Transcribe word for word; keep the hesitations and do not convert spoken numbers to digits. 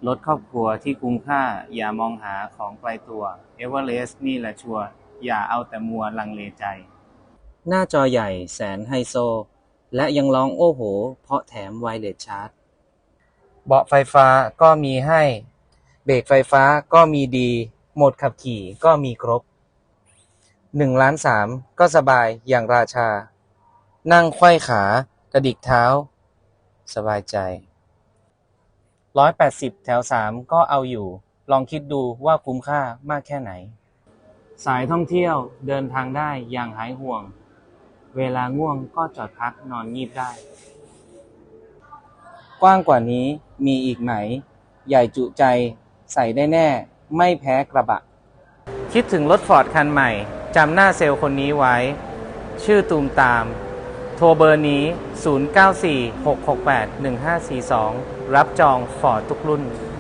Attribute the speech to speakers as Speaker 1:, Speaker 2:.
Speaker 1: รถครอบครัวที่คุ้มค่าอย่ามองหาของไกลตัวเอเวอเรสต์นี่แหละชัวร์อย่าเอาแต่มัวลังเลใจหน้าจอใหญ่แสนไฮโซและยังร้องโอ้โหเพราะแถมไวเลสชาร์จเบาะไฟฟ้าก็มีให้เบรกไฟฟ้าก็มีดีโหมดขับขี่ก็มีครบหนึ่งล้านสามก็สบายอย่างราชานั่งไขว้ขากระดิกเท้าสบายใจร้อยแปดสิบแถวสามก็เอาอยู่ลองคิดดูว่าคุ้มค่ามากแค่ไหนสายท่องเที่ยวเดินทางได้อย่างหายห่วงเวลาง่วงก็จอดพักนอนงีบได้กว้างกว่านี้มีอีกไหมใหญ่จุใจใส่ได้แน่ไม่แพ้กระบะคิดถึงรถฟอร์ดคันใหม่จำหน้าเซลล์คนนี้ไว้ชื่อตูมตามโทรเบอร์นี้ศูนย์ เก้า สี่ หก หก แปด หนึ่ง ห้า สี่ สองรับจองฟอร์ดทุกรุ่น